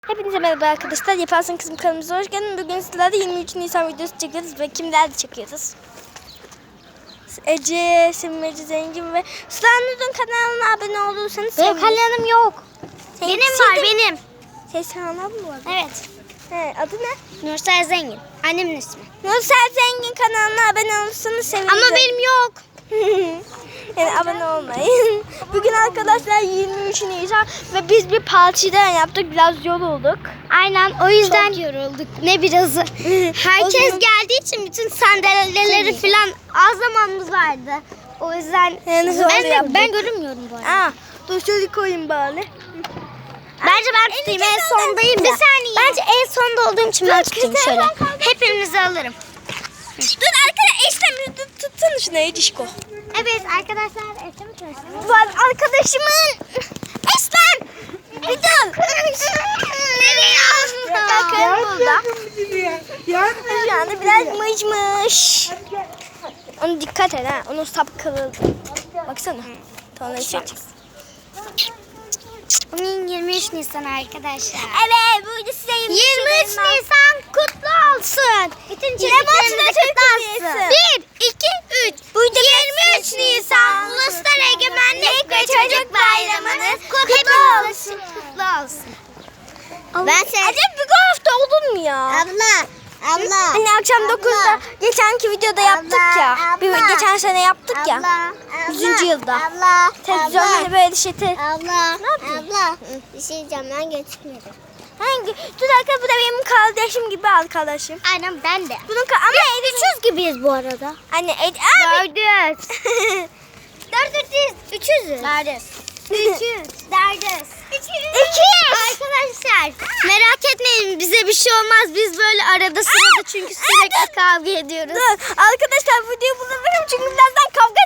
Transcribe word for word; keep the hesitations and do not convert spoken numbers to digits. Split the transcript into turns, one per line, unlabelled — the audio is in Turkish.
Hepinize merhaba arkadaşlar. Yaparsın Kızım kanalımıza hoş geldiniz. Bugün sizlerle yirmi üç Nisan videosu çekiyoruz ve kimlerle çekiyoruz? Ece, Simece Zengin ve Sıla'nın kanalına abone olursanız
Benim kanalım yok.
Senin
Benim
şey
var
de-
benim.
Senin kanalın mı var?
Evet.
He, adı ne?
Nursel Zengin. Annemin ismi.
Nursel Zengin kanalına abone olursanız seviniriz.
Ama benim yok.
Yani abone olmayın. Bugün arkadaşlar yirmi üç Nisan ve biz bir partiden yaptık. Biraz yorulduk.
Aynen o yüzden yorulduk. Ne birazı. Herkes
O zaman-
geldiği için bütün sandalyeleri falan az zamanımız vardı. O yüzden
Yani zor
ben, de,
yaptık.
ben görünmüyorum bu arada.
Aa, dur şöyle koyayım bari.
Bence ben tutayım en sondayım ya. Bir saniye. Bence en sonda olduğum için ben tutayım
kızım,
şöyle.
ben kaldım.
Hepinizi alırım.
Dur arkadaşlar Eslem tutun şunu Ecişko.
Evet arkadaşlar Eslem çalışıyor.
Var arkadaşımın Eslem. Bir dur.
Nereye aldın?
Bakın burada. Şu anda biraz mıcmış. Onu dikkat et ha. Onun sap kırıldı. Baksana. Tonları çekeceğiz.
Bugün yirmi üç Nisan arkadaşlar.
Evet burada size
yirmi üç Nisan kutlu olsun. Bütün
Yine başına
çocuklarımıza kutlu
Türk
olsun.
hediyesi.
bir, iki, üç. yirmi üç Nisan Uluslar Egemenlik ve Çocuk Bayramınız kutlu olsun. Kutlu olsun.
Ben sen... Acaba bir hafta olur mu ya?
Abla, abla.
Hani akşam dokuzda geçenki videoda yaptık ya. Bir, geçen sene yaptık ya. yüzüncü yılda.
Abla,
Televizyonda böyle şey. Te...
Abla,
Ne yapıyorsun?
abla. Bir şey diyeceğim ben getirmedim.
Hangi? Dur arkadaşlar bu da benim kardeşim gibi arkadaşım.
Aynen ben de.
Bunun ka- ama
Üçüz gibiyiz bu arada.
Anne Ed abi.
Dördüz. Dördüz. Üçüzüz. Dördüz. Üçüz. Dördüz.
İkiyiz.
Arkadaşlar merak etmeyin bize bir şey olmaz. Biz böyle arada sırada çünkü sürekli kavga ediyoruz.
Dur arkadaşlar videoyu bulabilirim çünkü birazdan kavga